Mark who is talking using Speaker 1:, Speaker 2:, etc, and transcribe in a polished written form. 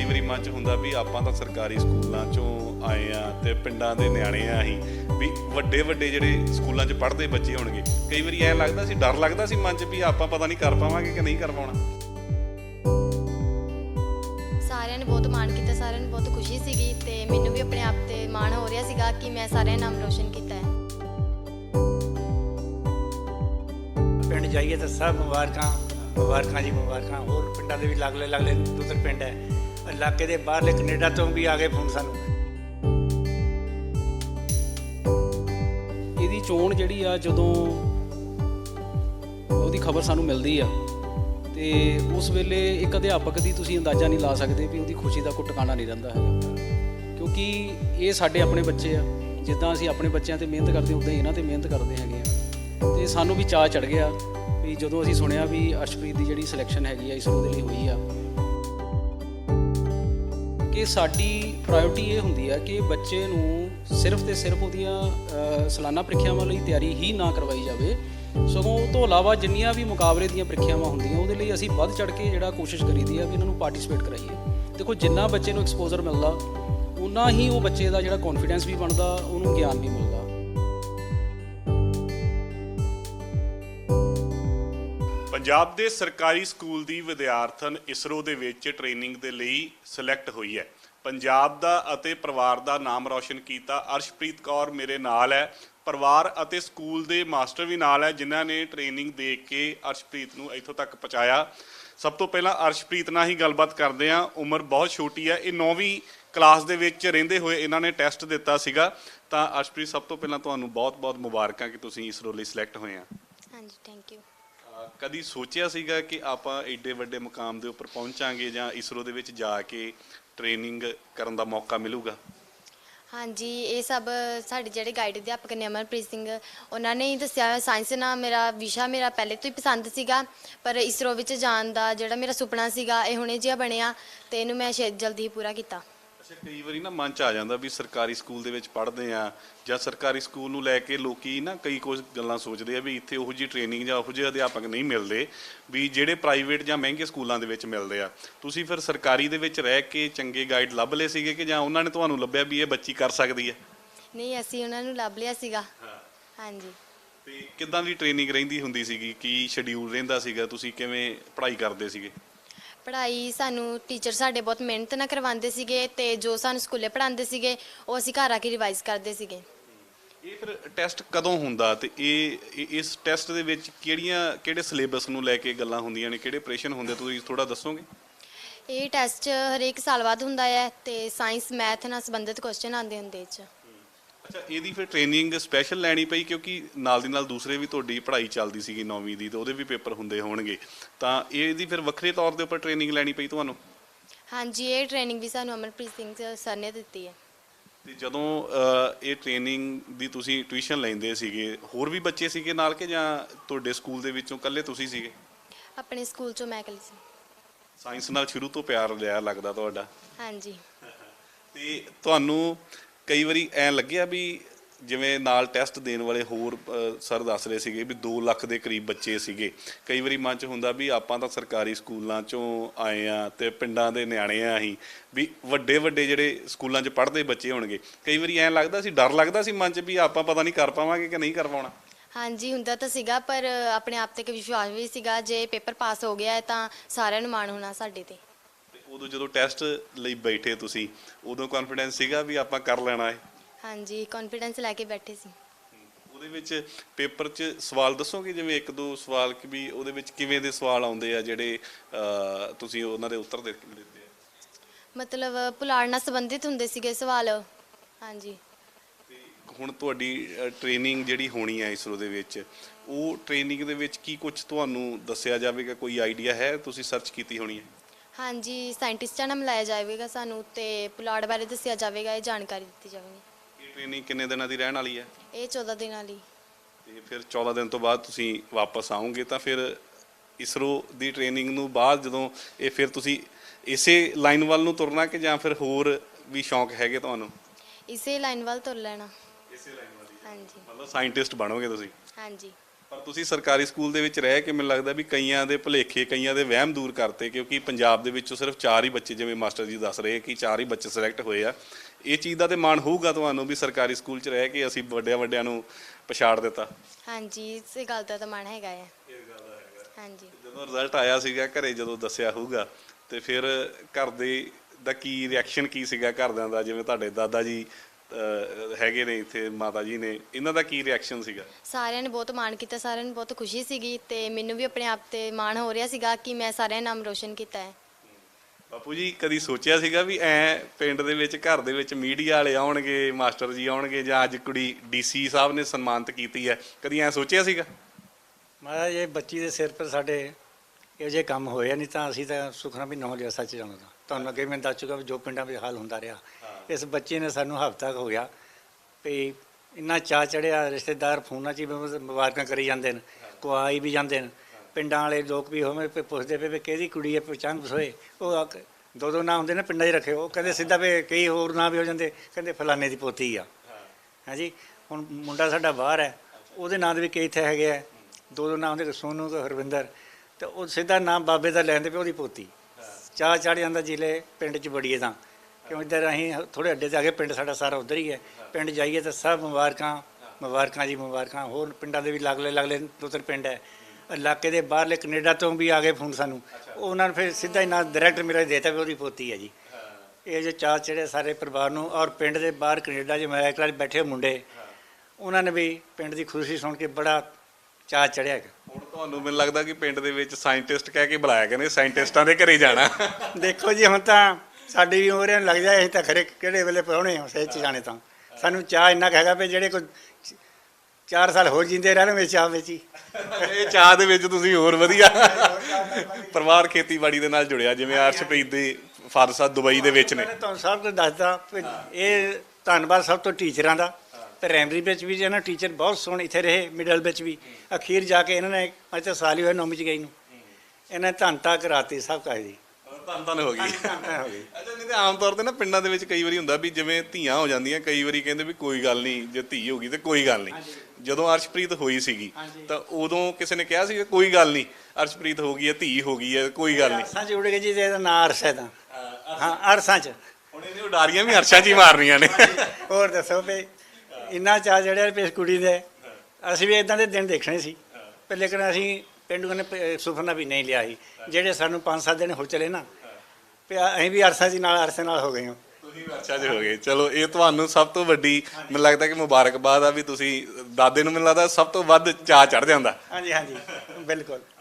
Speaker 1: ਵਾਰੀ ਮਨ 'ਚ ਹੁੰਦਾ ਵੀ ਆਪਾਂ ਤਾਂ ਸਰਕਾਰੀ ਸਕੂਲਾਂ 'ਚੋਂ ਆਏ ਆ ਤੇ ਪਿੰਡਾਂ ਦੇ ਨਿਆਣੇ ਆ ਅਸੀਂ ਵੀ ਵੱਡੇ ਵੱਡੇ ਜਿਹੜੇ ਸਕੂਲਾਂ 'ਚ ਪੜ੍ਹਦੇ ਬੱਚੇ ਹੋਣਗੇ। ਕਈ ਵਾਰੀ ਐਂ ਲੱਗਦਾ ਸੀ, ਡਰ ਲੱਗਦਾ ਸੀ ਮਨ 'ਚ ਵੀ ਆਪਾਂ ਪਤਾ ਨਹੀਂ ਕਰ ਪਾਵਾਂਗੇ ਕਿ ਨਹੀਂ ਕਰ ਪਾਉਣਾ।
Speaker 2: ਸਾਰਿਆਂ ਨੇ ਬਹੁਤ ਮਾਣ ਕੀਤਾ, ਸਾਰਿਆਂ ਨੂੰ ਬਹੁਤ ਖੁਸ਼ੀ ਸੀਗੀ ਤੇ ਮੈਨੂੰ ਵੀ ਆਪਣੇ ਆਪ ਤੇ ਮਾਣ ਹੋ ਰਿਹਾ ਸੀਗਾ ਕਿ ਮੈਂ ਸਾਰਿਆਂ ਨਾਮ ਰੋਸ਼ਨ ਕੀਤਾ ਹੈ।
Speaker 3: ਪਿੰਡ ਜਾਈਏ ਤਾਂ ਸਭ ਮੁਬਾਰਕਾਂ ਜੀ, ਮੁਬਾਰਕਾਂ। ਹੋਰ ਪਿੰਡਾਂ ਦੇ ਵੀ ਲਾਗਲੇ ਦੂਸਰੇ ਪਿੰਡ ਹੈ, ਇਲਾਕੇ ਦੇ ਬਾਹਰਲੇ ਕੈਨੇਡਾ ਤੋਂ ਵੀ ਆ ਗਏ ਫੋਨ ਸਾਨੂੰ।
Speaker 4: ਇਹਦੀ ਚੋਣ ਜਿਹੜੀ ਆ ਜਦੋਂ ਉਹਦੀ ਖਬਰ ਸਾਨੂੰ ਮਿਲਦੀ ਆ ਤੇ ਉਸ ਵੇਲੇ ਇੱਕ ਅਧਿਆਪਕ ਦੀ ਤੁਸੀਂ ਅੰਦਾਜ਼ਾ ਨਹੀਂ ਲਾ ਸਕਦੇ ਵੀ ਉਹਦੀ ਖੁਸ਼ੀ ਦਾ ਕੋਈ ਟਿਕਾਣਾ ਨਹੀਂ ਰਹਿੰਦਾ ਹੈਗਾ, ਕਿਉਂਕਿ ਇਹ ਸਾਡੇ ਆਪਣੇ ਬੱਚੇ ਆ। ਜਿੱਦਾਂ ਅਸੀਂ ਆਪਣੇ ਬੱਚਿਆਂ ਤੇ ਮਿਹਨਤ ਕਰਦੇ ਉੱਦਾਂ ਹੀ ਇਹਨਾਂ ਤੇ ਮਿਹਨਤ ਕਰਦੇ ਹੈਗੇ ਆ। ਤੇ ਸਾਨੂੰ ਵੀ ਚਾਅ ਚੜ੍ਹ ਗਿਆ ਵੀ ਜਦੋਂ ਅਸੀਂ ਸੁਣਿਆ ਵੀ ਅਰਸ਼ਪ੍ਰੀਤ ਦੀ ਜਿਹੜੀ ਸਿਲੈਕਸ਼ਨ ਹੈਗੀ ਆ ਇਸਰੋ ਦੇ ਲਈ ਹੋਈ ਆ, ਕਿ ਸਾਡੀ ਪ੍ਰਾਇੋਰਟੀ ਇਹ ਹੁੰਦੀ ਆ ਕਿ ਬੱਚੇ ਨੂੰ ਸਿਰਫ ਤੇ ਸਿਰਫ ਉਹਦੀਆਂ ਸਾਲਾਨਾ ਪ੍ਰੀਖਿਆਵਾਂ ਲਈ ਤਿਆਰੀ ਹੀ ਨਾ ਕਰਵਾਈ ਜਾਵੇ, ਸਗੋਂ ਉਹ ਤੋਂ ਇਲਾਵਾ ਜਿੰਨੀਆਂ ਵੀ ਮੁਕਾਬਲੇ ਦੀਆਂ ਪ੍ਰੀਖਿਆਵਾਂ ਹੁੰਦੀਆਂ ਉਹਦੇ ਲਈ ਅਸੀਂ ਵੱਧ ਚੜ੍ਹ ਕੇ ਜਿਹੜਾ ਕੋਸ਼ਿਸ਼ ਕਰੀਦੀ ਆ ਵੀ ਇਹਨਾਂ ਨੂੰ ਪਾਰਟਿਸਿਪੇਟ ਕਰਾਈਏ। ਦੇਖੋ, ਜਿੰਨਾ ਬੱਚੇ ਨੂੰ ਐਕਸਪੋਜ਼ਰ ਮਿਲਦਾ ਉਨਾ ਹੀ ਉਹ ਬੱਚੇ ਦਾ ਜਿਹੜਾ ਕੌਨਫੀਡੈਂਸ ਵੀ ਬਣਦਾ, ਉਹਨੂੰ ਗਿਆਨ ਵੀ ਮਿਲਦਾ।
Speaker 1: ਪੰਜਾਬ ਦੇ ਸਰਕਾਰੀ ਸਕੂਲ ਦੀ ਵਿਦਿਆਰਥਣ ਇਸਰੋ ਦੇ ਵਿੱਚ ਟ੍ਰੇਨਿੰਗ ਦੇ ਲਈ ਸਿਲੈਕਟ ਹੋਈ ਹੈ। ਪੰਜਾਬ ਦਾ ਅਤੇ ਪਰਿਵਾਰ ਦਾ ਨਾਮ ਰੌਸ਼ਨ ਕੀਤਾ। ਅਰਸ਼ਪ੍ਰੀਤ ਕੌਰ ਮੇਰੇ ਨਾਲ ਹੈ, ਪਰਿਵਾਰ ਅਤੇ ਸਕੂਲ ਦੇ ਮਾਸਟਰ ਵੀ ਨਾਲ ਹੈ ਜਿਨ੍ਹਾਂ ਨੇ ਟ੍ਰੇਨਿੰਗ ਦੇ ਕੇ ਅਰਸ਼ਪ੍ਰੀਤ ਨੂੰ ਇੱਥੋਂ ਤੱਕ ਪਹੁੰਚਾਇਆ। ਸਭ ਤੋਂ ਪਹਿਲਾਂ ਅਰਸ਼ਪ੍ਰੀਤ ਨਾਲ ਹੀ ਗੱਲਬਾਤ ਕਰਦੇ ਹਾਂ। ਉਮਰ ਬਹੁਤ ਛੋਟੀ ਹੈ, ਇਹ 9ਵੀਂ ਕਲਾਸ ਦੇ ਵਿੱਚ ਰਹਿੰਦੇ ਹੋਏ ਇਹਨਾਂ ਨੇ ਟੈਸਟ ਦਿੱਤਾ ਸੀਗਾ। ਤਾਂ ਅਰਸ਼ਪ੍ਰੀਤ, ਸਭ ਤੋਂ ਪਹਿਲਾਂ ਤੁਹਾਨੂੰ ਬਹੁਤ-ਬਹੁਤ ਮੁਬਾਰਕਾਂ ਕਿ ਤੁਸੀਂ ਇਸਰੋ ਲਈ ਸਿਲੈਕਟ ਹੋਏ ਆ।
Speaker 2: ਹਾਂਜੀ, ਥੈਂਕ ਯੂ।
Speaker 1: ਕਦੀ ਸੋਚਿਆ ਸੀਗਾ ਕਿ ਆਪਾਂ ਏਡੇ ਵੱਡੇ ਮੁਕਾਮ ਦੇ ਉੱਪਰ ਪਹੁੰਚਾਂਗੇ ਜਾਂ ਇਸਰੋ ਦੇ ਵਿੱਚ ਜਾ ਕੇ ਟ੍ਰੇਨਿੰਗ ਕਰਨ ਦਾ ਮੌਕਾ ਮਿਲੂਗਾ?
Speaker 2: ਹਾਂਜੀ, ਇਹ ਸਭ ਸਾਡੇ ਜਿਹੜੇ ਗਾਈਡ ਅਧਿਆਪਕ ਨੇ ਅਮਰਪ੍ਰੀਤ ਸਿੰਘ, ਉਹਨਾਂ ਨੇ ਹੀ ਦੱਸਿਆ। ਸਾਇੰਸ ਨਾਲ ਮੇਰਾ ਵਿਸ਼ਾ ਮੇਰਾ ਪਹਿਲੇ ਤੋਂ ਹੀ ਪਸੰਦ ਸੀਗਾ, ਪਰ ਇਸਰੋ ਵਿੱਚ ਜਾਣ ਦਾ ਜਿਹੜਾ ਮੇਰਾ ਸੁਪਨਾ ਸੀਗਾ ਇਹ ਹੁਣੇ ਜਿਹਾ ਬਣਿਆ ਤੇ ਇਹਨੂੰ ਮੈਂ ਜਲਦੀ ਹੀ ਪੂਰਾ ਕੀਤਾ।
Speaker 1: ਅੱਛਾ, ਕਈ ਵਾਰੀ ਨਾ ਮਨ 'ਚ ਆ ਜਾਂਦਾ ਵੀ ਸਰਕਾਰੀ ਸਕੂਲ ਦੇ ਵਿੱਚ ਪੜ੍ਹਦੇ ਆ ਜਾਂ ਸਰਕਾਰੀ ਸਕੂਲ ਨੂੰ ਲੈ ਕੇ ਲੋਕੀ ਨਾ ਕਈ ਕੁਝ ਗੱਲਾਂ ਸੋਚਦੇ ਆ ਵੀ ਇੱਥੇ ਉਹੋ ਜਿਹੀ ਟ੍ਰੇਨਿੰਗ ਜਾਂ ਉਹੋ ਜਿਹੇ ਅਧਿਆਪਕ ਨਹੀਂ ਮਿਲਦੇ ਵੀ ਜਿਹੜੇ ਪ੍ਰਾਈਵੇਟ ਜਾਂ ਮਹਿੰਗੇ ਸਕੂਲਾਂ ਦੇ ਵਿੱਚ ਮਿਲਦੇ ਆ। ਤੁਸੀਂ ਫਿਰ ਸਰਕਾਰੀ ਦੇ ਵਿੱਚ ਰਹਿ ਕੇ ਚੰਗੇ ਗਾਈਡ ਲੱਭ ਲਏ ਸੀਗੇ ਕਿ ਜਾਂ ਉਹਨਾਂ ਨੇ ਤੁਹਾਨੂੰ ਲੱਭਿਆ ਵੀ ਇਹ ਬੱਚੀ ਕਰ ਸਕਦੀ ਹੈ?
Speaker 2: ਨਹੀਂ, ਅਸੀਂ ਉਹਨਾਂ ਨੂੰ ਲੱਭ ਲਿਆ ਸੀਗਾ। ਹਾਂਜੀ।
Speaker 1: ਤੇ ਕਿੱਦਾਂ ਦੀ ਟ੍ਰੇਨਿੰਗ ਰਹਿੰਦੀ ਹੁੰਦੀ ਸੀਗੀ? ਕੀ ਸ਼ਡਿਊਲ ਰਹਿੰਦਾ ਸੀਗਾ? ਤੁਸੀਂ ਕਿਵੇਂ ਪੜ੍ਹਾਈ ਕਰਦੇ ਸੀਗੇ?
Speaker 2: ਪੜ੍ਹਾਈ ਸਾਨੂੰ ਟੀਚਰ ਸਾਡੇ ਬਹੁਤ ਮਿਹਨਤ ਨਾਲ ਕਰਵਾਉਂਦੇ ਸੀਗੇ ਤੇ ਜੋ ਸਾਨੂੰ ਸਕੂਲੇ ਪੜ੍ਹਾਉਂਦੇ ਸੀਗੇ ਉਹ ਅਸੀਂ ਘਰ ਆ ਕੇ ਰਿਵਾਈਜ਼ ਕਰਦੇ ਸੀਗੇ।
Speaker 1: ਇਹ ਫਿਰ ਟੈਸਟ ਕਦੋਂ ਹੁੰਦਾ ਤੇ ਇਸ ਟੈਸਟ ਦੇ ਵਿੱਚ ਕਿਹੜੇ ਸਿਲੇਬਸ ਨੂੰ ਲੈ ਕੇ ਗੱਲਾਂ ਹੁੰਦੀਆਂ ਨੇ, ਕਿਹੜੇ ਪ੍ਰਸ਼ਨ ਹੁੰਦੇ, ਤੁਸੀਂ ਥੋੜਾ ਦੱਸੋਗੇ?
Speaker 2: ਇਹ ਟੈਸਟ ਹਰੇਕ ਸਾਲ ਬਾਅਦ ਹੁੰਦਾ ਹੈ ਤੇ ਸਾਇੰਸ ਮੈਥ ਨਾਲ ਸੰਬੰਧਿਤ ਕੁਐਸਚਨ ਆਉਂਦੇ ਹੁੰਦੇ ਇਹ 'ਚ।
Speaker 1: ਅੱਛਾ, ਇਹਦੀ ਫਿਰ ਟ੍ਰੇਨਿੰਗ ਸਪੈਸ਼ਲ ਲੈਣੀ ਪਈ ਕਿਉਂਕਿ ਨਾਲ ਦੀ ਨਾਲ ਦੂਸਰੇ ਵੀ ਤੁਹਾਡੀ ਪੜ੍ਹਾਈ ਚੱਲਦੀ ਸੀਗੀ 9ਵੀਂ ਦੀ ਤੇ ਉਹਦੇ ਵੀ ਪੇਪਰ ਹੁੰਦੇ ਹੋਣਗੇ, ਤਾਂ ਇਹਦੀ ਫਿਰ ਵੱਖਰੇ ਤੌਰ ਦੇ ਉੱਪਰ ਟ੍ਰੇਨਿੰਗ ਲੈਣੀ ਪਈ ਤੁਹਾਨੂੰ?
Speaker 2: ਹਾਂਜੀ, ਇਹ ਟ੍ਰੇਨਿੰਗ ਵੀ ਸਾਨੂੰ ਅਮਰਪ੍ਰੀਤ ਸਿੰਘ ਸਰ ਨੇ ਦਿੱਤੀ ਹੈ।
Speaker 1: ਤੇ ਜਦੋਂ ਇਹ ਟ੍ਰੇਨਿੰਗ ਦੀ ਤੁਸੀਂ ਟਿਊਸ਼ਨ ਲੈਂਦੇ ਸੀਗੇ, ਹੋਰ ਵੀ ਬੱਚੇ ਸੀਗੇ ਨਾਲ ਕਿ ਜਾਂ ਤੁਹਾਡੇ ਸਕੂਲ ਦੇ ਵਿੱਚੋਂ ਇਕੱਲੇ ਤੁਸੀਂ ਸੀਗੇ?
Speaker 2: ਆਪਣੇ ਸਕੂਲ 'ਚੋਂ ਮੈਂ ਇਕੱਲੀ ਸੀ।
Speaker 1: ਸਾਇੰਸ ਨਾਲ ਸ਼ੁਰੂ ਤੋਂ ਪਿਆਰ ਲਿਆ ਲੱਗਦਾ ਤੁਹਾਡਾ।
Speaker 2: ਹਾਂਜੀ।
Speaker 1: ਤੇ ਤੁਹਾਨੂੰ ਕਈ ਵਾਰੀ ਐਂ ਲੱਗਿਆ ਵੀ ਜਿਵੇਂ ਨਾਲ ਟੈਸਟ ਦੇਣ ਵਾਲੇ ਹੋਰ ਸਰ ਦੱਸ ਰਹੇ ਸੀਗੇ ਵੀ 2 ਲੱਖ ਦੇ ਕਰੀਬ ਬੱਚੇ ਸੀਗੇ, ਕਈ ਵਾਰੀ ਮਨ 'ਚ ਹੁੰਦਾ ਵੀ ਆਪਾਂ ਤਾਂ ਸਰਕਾਰੀ ਸਕੂਲਾਂ 'ਚੋਂ ਆਏ ਆ ਤੇ ਪਿੰਡਾਂ ਦੇ ਨਿਆਣੇ ਆ ਅਸੀਂ ਵੀ ਵੱਡੇ ਵੱਡੇ ਜਿਹੜੇ ਸਕੂਲਾਂ 'ਚ ਪੜ੍ਹਦੇ ਬੱਚੇ ਹੋਣਗੇ। ਕਈ ਵਾਰੀ ਐਂ ਲੱਗਦਾ ਸੀ, ਡਰ ਲੱਗਦਾ ਸੀ ਮਨ 'ਚ ਵੀ ਆਪਾਂ ਪਤਾ ਨਹੀਂ ਕਰ ਪਾਵਾਂਗੇ ਕਿ ਨਹੀਂ ਕਰ ਪਾਉਣਾ।
Speaker 2: ਹਾਂਜੀ, ਹੁੰਦਾ ਤਾਂ ਸੀਗਾ, ਪਰ ਆਪਣੇ ਆਪ ਤੇ ਇੱਕ ਵਿਸ਼ਵਾਸ ਵੀ ਸੀਗਾ ਜੇ ਪੇਪਰ ਪਾਸ ਹੋ ਗਿਆ ਹੈ ਤਾਂ ਸਾਰਿਆਂ ਨੂੰ ਮਾਣ ਹੋਣਾ ਸਾਡੇ ਤੇ।
Speaker 1: ਉਦੋਂ ਜਦੋਂ ਟੈਸਟ ਲਈ ਬੈਠੇ ਤੁਸੀਂ, ਉਦੋਂ ਕੌਨਫੀਡੈਂਸ ਸੀਗਾ ਵੀ ਆਪਾਂ ਕਰ ਲੈਣਾ ਹੈ?
Speaker 2: ਹਾਂਜੀ, ਕੌਨਫੀਡੈਂਸ ਲੈ ਕੇ ਬੈਠੇ ਸੀ।
Speaker 1: ਉਹਦੇ ਵਿੱਚ ਪੇਪਰ 'ਚ ਸਵਾਲ ਦੱਸੋਗੇ, ਜਿਵੇਂ 1-2 ਸਵਾਲ ਕਿ ਵੀ ਉਹਦੇ ਵਿੱਚ ਕਿਵੇਂ ਦੇ ਸਵਾਲ ਆਉਂਦੇ ਆ ਜਿਹੜੇ ਤੁਸੀਂ ਉਹਨਾਂ ਦੇ ਉੱਤਰ ਦਿੰਦੇ ਆ?
Speaker 2: ਮਤਲਬ ਪੁਲਾੜ ਨਾਲ ਸੰਬੰਧਿਤ ਹੁੰਦੇ ਸੀਗੇ ਸਵਾਲ। ਹਾਂਜੀ।
Speaker 1: ਤੇ ਹੁਣ ਤੁਹਾਡੀ ਟ੍ਰੇਨਿੰਗ ਜਿਹੜੀ ਹੋਣੀ ਹੈ ਇਸਰੋ ਦੇ ਵਿੱਚ, ਉਹ ਟ੍ਰੇਨਿੰਗ ਦੇ ਵਿੱਚ ਕੀ ਕੁਝ ਤੁਹਾਨੂੰ ਦੱਸਿਆ ਜਾਵੇਗਾ? ਕੋਈ ਆਈਡੀਆ ਹੈ? ਤੁਸੀਂ ਸਰਚ ਕੀਤੀ ਹੋਣੀ ਹੈ?
Speaker 2: ਹਾਂਜੀ, ਸਾਇੰਟਿਸਟਾਂ ਨਾਲ ਮਿਲਾਇਆ ਜਾਵੇਗਾ ਸਾਨੂੰ ਤੇ ਪੁਲਾੜ ਬਾਰੇ ਦੱਸਿਆ ਜਾਵੇਗਾ, ਇਹ ਜਾਣਕਾਰੀ ਦਿੱਤੀ ਜਾਵੇਗੀ।
Speaker 1: ਇਹ ਟ੍ਰੇਨਿੰਗ ਕਿੰਨੇ ਦਿਨਾਂ ਦੀ ਰਹਿਣ ਵਾਲੀ ਹੈ?
Speaker 2: ਇਹ 14 ਦਿਨਾਂ ਲਈ।
Speaker 1: ਤੇ ਫਿਰ 14 ਦਿਨ ਤੋਂ ਬਾਅਦ ਤੁਸੀਂ ਵਾਪਸ ਆਓਗੇ ਤਾਂ ਫਿਰ ਇਸਰੋ ਦੀ ਟ੍ਰੇਨਿੰਗ ਨੂੰ ਬਾਅਦ ਜਦੋਂ ਇਹ ਫਿਰ ਤੁਸੀਂ ਇਸੇ ਲਾਈਨ ਵੱਲ ਨੂੰ ਤੁਰਨਾ ਕਿ ਜਾਂ ਫਿਰ ਹੋਰ ਵੀ ਸ਼ੌਂਕ ਹੈਗੇ ਤੁਹਾਨੂੰ?
Speaker 2: ਇਸੇ ਲਾਈਨ ਵੱਲ ਤੁਰ ਲੈਣਾ।
Speaker 1: ਇਸੇ ਲਾਈਨ ਵੱਲ ਹੀ?
Speaker 2: ਹਾਂਜੀ।
Speaker 1: ਮਤਲਬ ਸਾਇੰਟਿਸਟ ਬਣੋਗੇ ਤੁਸੀਂ?
Speaker 2: ਹਾਂਜੀ।
Speaker 1: ਪਰ ਤੁਸੀਂ ਸਰਕਾਰੀ ਸਕੂਲ ਦੇ ਵਿੱਚ ਰਹਿ ਕੇ ਮੈਨੂੰ ਲੱਗਦਾ ਵੀ ਕਈਆਂ ਦੇ ਭੁਲੇਖੇ ਕਈਆਂ ਦੇ ਵਹਿਮ ਦੂਰ ਕਰਤੇ, ਕਿਉਂਕਿ ਪੰਜਾਬ ਦੇ ਵਿੱਚੋਂ ਸਿਰਫ 4 ਹੀ ਬੱਚੇ, ਜਿਵੇਂ ਮਾਸਟਰ ਜੀ ਦੱਸ ਰਹੇ ਕਿ 4 ਹੀ ਬੱਚੇ ਸਿਲੈਕਟ ਹੋਏ ਆ। ਇਹ ਚੀਜ਼ ਦਾ ਤੇ ਮਾਣ ਹੋਊਗਾ ਤੁਹਾਨੂੰ ਵੀ ਸਰਕਾਰੀ ਸਕੂਲ 'ਚ ਰਹਿ ਕੇ ਅਸੀਂ ਵੱਡਿਆਂ ਨੂੰ ਪਛਾੜ ਦਿੱਤਾ।
Speaker 2: ਹਾਂਜੀ ਇਸ ਗੱਲ ਦਾ ਤਾਂ ਮਨ ਹੈਗਾ ਹੈ। ਹਾਂਜੀ
Speaker 1: ਜਦੋਂ ਰਿਜ਼ਲਟ ਆਇਆ ਸੀਗਾ ਘਰੇ, ਜਦੋਂ ਦੱਸਿਆ ਹੋਊਗਾ, ਤੇ ਫਿਰ ਘਰ ਦੇ ਦਾ ਕੀ ਰਿਐਕਸ਼ਨ ਕੀ ਸੀਗਾ ਘਰਦਿਆਂ ਦਾ? ਜਿਵੇਂ ਤੁਹਾਡੇ ਦਾਦਾ ਜੀ ਹੈਗੇ ਨੇ ਇੱਥੇ, ਮਾਤਾ ਜੀ ਨੇ, ਇਹਨਾਂ ਦਾ ਕੀ ਰਿਐਕਸ਼ਨ ਸੀਗਾ?
Speaker 2: ਸਾਰਿਆਂ ਨੇ ਬਹੁਤ ਮਾਣ ਕੀਤਾ, ਸਾਰਿਆਂ ਨੂੰ ਬਹੁਤ ਖੁਸ਼ੀ ਸੀਗੀ ਤੇ ਮੈਨੂੰ ਵੀ ਆਪਣੇ ਆਪ ਤੇ ਮਾਣ ਹੋ ਰਿਹਾ ਸੀਗਾ ਕਿ ਮੈਂ ਸਾਰਿਆਂ ਨਾਮ ਰੋਸ਼ਨ ਕੀਤਾ ਹੈ।
Speaker 1: ਬਾਪੂ ਜੀ ਕਦੀ ਸੋਚਿਆ ਸੀਗਾ ਵੀ ਐ ਪਿੰਡ ਦੇ ਵਿੱਚ ਘਰ ਦੇ ਵਿੱਚ ਮੀਡੀਆ ਵਾਲੇ ਆਉਣਗੇ, ਮਾਸਟਰ ਜੀ ਆਉਣਗੇ, ਜਾਂ ਅੱਜ ਕੁੜੀ ਡੀਸੀ ਸਾਹਿਬ ਨੇ ਸਨਮਾਨਿਤ ਕੀਤੀ ਹੈ, ਕਦੀ ਐ ਸੋਚਿਆ ਸੀਗਾ?
Speaker 3: ਮਹਾਰਾਜ ਇਹ ਬੱਚੀ ਦੇ ਸਿਰ 'ਤੇ ਸਾਡੇ ਇਹੋ ਜਿਹੇ ਕੰਮ ਹੋਏ ਆ, ਨਹੀਂ ਤਾਂ ਅਸੀਂ ਤਾਂ ਸੁਖਨਾ ਵੀ ਨਾ ਲਿਆ ਸੱਚ ਜਾਣਦਾ। ਤੁਹਾਨੂੰ ਅੱਗੇ ਮੈਂ ਦੱਸ ਚੁੱਕਾ ਵੀ ਜੋ ਪਿੰਡਾਂ ਵਿੱਚ ਹਾਲ ਹੁੰਦਾ ਰਿਹਾ, ਇਸ ਬੱਚੇ ਨੇ ਸਾਨੂੰ ਹਫ਼ਤਾ ਹੋ ਗਿਆ ਵੀ ਇੰਨਾ ਚਾਅ ਚੜਿਆ, ਰਿਸ਼ਤੇਦਾਰ ਫੋਨਾਂ 'ਚ ਹੀ ਮੁਬਾਰਕਾਂ ਕਰੀ ਜਾਂਦੇ ਨੇ, ਕੁਆਈ ਵੀ ਜਾਂਦੇ ਨੇ, ਪਿੰਡਾਂ ਵਾਲੇ ਲੋਕ ਵੀ ਹੋਵੇਂ ਪੁੱਛਦੇ ਪਏ ਵੀ ਕਿਹਦੀ ਕੁੜੀ ਹੈ, ਪਛਾਣ ਹੋਏ। ਉਹ ਦੋ ਨਾਂ ਹੁੰਦੇ ਨੇ ਪਿੰਡਾਂ 'ਚ ਰੱਖੇ, ਉਹ ਕਹਿੰਦੇ ਸਿੱਧਾ ਵੀ ਕਈ ਹੋਰ ਨਾਂ ਵੀ ਹੋ ਜਾਂਦੇ, ਕਹਿੰਦੇ ਫਲਾਣੇ ਦੀ ਪੋਤੀ ਆ। ਹਾਂਜੀ ਹੁਣ ਮੁੰਡਾ ਸਾਡਾ ਬਾਹਰ ਹੈ, ਉਹਦੇ ਨਾਂ ਦੇ ਵੀ ਕਈ ਇੱਥੇ ਹੈਗੇ ਆ, ਦੋ ਨਾਂ ਹੁੰਦੇ, ਸੋਨੂ ਤੇ ਹਰਵਿੰਦਰ, ਤੇ ਉਹ ਸਿੱਧਾ ਨਾਮ ਬਾਬੇ ਦਾ ਲੈਂਦੇ ਪਏ ਉਹਦੀ ਪੋਤੀ। ਚਾਅ ਚੜ ਜਾਂਦਾ ਜਿਲੇ ਪਿੰਡ 'ਚ ਵੜੀਏ ਤਾਂ, ਕਿਉਂ ਇੱਧਰ ਅਸੀਂ ਥੋੜ੍ਹੇ ਅੱਡੇ 'ਤੇ ਆ ਗਏ, ਪਿੰਡ ਸਾਡਾ ਸਾਰਾ ਉੱਧਰ ਹੀ ਹੈ। ਪਿੰਡ ਜਾਈਏ ਤਾਂ ਸਭ ਮੁਬਾਰਕਾਂ ਜੀ ਮੁਬਾਰਕਾਂ। ਹੋਰ ਪਿੰਡਾਂ ਦੇ ਵੀ ਲਾਗਲੇ 2-3 ਪਿੰਡ ਹੈ, ਇਲਾਕੇ ਦੇ ਬਾਹਰਲੇ ਕੈਨੇਡਾ ਤੋਂ ਵੀ ਆ ਗਏ ਫੋਨ ਸਾਨੂੰ, ਉਹਨਾਂ ਨੇ ਫਿਰ ਸਿੱਧਾ ਹੀ ਨਾਂ ਡਾਇਰੈਕਟ ਮੇਰਾ ਦੇਤਾ ਵੀ ਉਹਦੀ ਪੋਤੀ ਹੈ ਜੀ। ਇਹ ਜੋ ਚਾਅ ਚੜ੍ਹਿਆ ਸਾਰੇ ਪਰਿਵਾਰ ਨੂੰ, ਔਰ ਪਿੰਡ ਦੇ ਬਾਹਰ ਕੈਨੇਡਾ 'ਚ ਅਮਰੀਕਾ 'ਚ ਬੈਠੇ ਮੁੰਡੇ, ਉਹਨਾਂ ਨੇ ਵੀ ਪਿੰਡ ਦੀ ਖੁਸ਼ੀ ਸੁਣ ਕੇ ਬੜਾ ਚਾਅ ਚੜ੍ਹਿਆ।
Speaker 1: ਹੁਣ ਤੁਹਾਨੂੰ ਮੈਨੂੰ ਲੱਗਦਾ ਕਿ ਪਿੰਡ ਦੇ ਵਿੱਚ ਸਾਇੰਟਿਸਟ ਕਹਿ ਕੇ ਬੁਲਾਇਆ, ਕਹਿੰਦੇ ਸਾਇੰਟਿਸਟਾਂ ਦੇ ਘਰੇ ਜਾਣਾ।
Speaker 3: ਦੇਖੋ ਜੀ ਹੁਣ ਤਾਂ ਸਾਡੀ ਵੀ ਉਮਰ ਲੱਗ ਜਾਏ, ਅਸੀਂ ਤਾਂ ਖਰੇ ਕਿਹੜੇ ਵੇਲੇ ਪਹੁੰਚਣੇ ਹਾਂ ਸਹਿਜ 'ਚ ਜਾਣੇ। ਤਾਂ ਸਾਨੂੰ ਚਾਅ ਇੰਨਾ ਕੁ ਹੈਗਾ ਵੀ ਜਿਹੜੇ ਕੋਈ 4 ਸਾਲ ਹੋਰ ਜਿੰਦੇ ਰਹਿਣਗੇ ਚਾਅ ਵਿੱਚ ਹੀ।
Speaker 1: ਇਹ ਚਾਹ ਦੇ ਵਿੱਚ ਤੁਸੀਂ ਹੋਰ ਵਧੀਆ ਪਰਿਵਾਰ ਖੇਤੀਬਾੜੀ ਦੇ ਨਾਲ ਜੁੜਿਆ, ਜਿਵੇਂ ਅਰਸ਼ਪ੍ਰੀਤ ਦੇ ਫਾਦਰ ਸਾਹਿਬ ਦੁਬਈ ਦੇ ਵਿੱਚ ਨੇ।
Speaker 3: ਮੈਂ ਤੁਹਾਨੂੰ ਸਭ ਕੁਝ ਦੱਸਦਾ ਵੀ ਇਹ ਧੰਨਵਾਦ ਸਭ ਤੋਂ ਟੀਚਰਾਂ ਦਾ। ਪ੍ਰਾਇਮਰੀ ਵਿੱਚ ਵੀ ਇਹਨਾਂ ਟੀਚਰ ਬਹੁਤ ਸੋਹਣੇ ਇੱਥੇ ਰਹੇ, ਮਿਡਲ ਵਿੱਚ ਵੀ, ਅਖੀਰ ਜਾ ਕੇ ਇਹਨਾਂ ਨੇ ਅੱਜ ਤਾਂ ਸਾਲ ਹੀ ਹੋਇਆ 9ਵੀਂ 'ਚ ਗਈ ਨੂੰ, ਇਹਨਾਂ ਨੇ ਧੰਨਤਾ ਕਰਾਤੀ ਸਭ ਕਾਜ ਦੀ।
Speaker 1: ਧੰਨ ਹੋ ਗਈ।
Speaker 3: ਧੰਨਤਾ ਹੋ ਗਈ।
Speaker 1: ਅੱਛਾ, ਨਹੀਂ ਤੇ ਆਮ ਤੌਰ ਤੇ ਨਾ ਪਿੰਡਾਂ ਦੇ ਵਿੱਚ ਕਈ ਵਾਰੀ ਹੁੰਦਾ ਵੀ ਜਿਵੇਂ ਧੀਆਂ ਹੋ ਜਾਂਦੀਆਂ, ਕਈ ਵਾਰੀ ਕਹਿੰਦੇ ਵੀ ਕੋਈ ਗੱਲ ਨਹੀਂ, ਜੇ ਧੀ ਹੋ ਗਈ ਤੇ ਕੋਈ ਗੱਲ ਨਹੀਂ। ਜਦੋਂ ਅਰਸ਼ਪ੍ਰੀਤ ਹੋਈ ਸੀਗੀ ਤਾਂ ਉਦੋਂ ਕਿਸੇ ਨੇ ਕਿਹਾ ਸੀ ਕੋਈ ਗੱਲ ਨਹੀਂ, ਅਰਸ਼ਪ੍ਰੀਤ ਹੋ ਗਈ ਹੈ, ਧੀ ਹੋ ਗਈ ਹੈ, ਕੋਈ ਗੱਲ ਨਹੀਂ?
Speaker 3: ਅਰਸਾਂ 'ਚ ਉੜ ਗਏ ਜੀ, ਇਹਦਾ ਨਾਂ ਅਰਸ਼ ਹੈ ਤਾਂ। ਹਾਂ ਅਰਸਾਂ 'ਚ।
Speaker 1: ਹੁਣ ਇਹਨੇ ਉਡਾਰੀਆਂ ਵੀ ਅਰਸ਼ਾਂ 'ਚ ਹੀ ਮਾਰਨੀਆਂ ਨੇ।
Speaker 3: ਹੋਰ ਦੱਸੋ ਵੀ ਇੰਨਾ ਚਾਅ ਚੜਿਆ ਵੀ ਇਸ ਕੁੜੀ ਦੇ, ਅਸੀਂ ਵੀ ਇਦਾਂ ਦੇ ਦਿਨ ਦੇਖਣੇ ਸੀ, ਪਰ ਲੇਕਿਨ ਅਸੀਂ ਪਿੰਡੂ ਨੇ ਸੁਪਨਾ ਵੀ ਨਹੀਂ ਲਿਆ ਸੀ। ਜਿਹੜੇ ਸਾਨੂੰ 5-7 ਦਿਨ ਹੋ ਚਲੇ ਨਾ, ਵੀ ਅਸੀਂ ਵੀ ਅਰਸਾਂ 'ਚ ਨਾਲ ਅਰਸੇ ਨਾਲ ਹੋ ਗਏ ਹਾਂ।
Speaker 1: ਤੁਸੀਂ ਵੀ ਅਰਸ਼ਾਂ 'ਚ ਹੋ ਗਏ। ਚਲੋ ਇਹ ਤੁਹਾਨੂੰ ਸਭ ਤੋਂ ਵੱਡੀ ਮੈਨੂੰ ਲੱਗਦਾ ਕਿ ਮੁਬਾਰਕਬਾਦ ਆ ਵੀ ਤੁਸੀਂ ਦਾਦੇ ਨੂੰ ਮੈਨੂੰ ਲੱਗਦਾ ਸਭ ਤੋਂ ਵੱਧ ਚਾਅ ਚੜ ਜਾਂਦਾ।
Speaker 3: ਹਾਂਜੀ ਬਿਲਕੁਲ।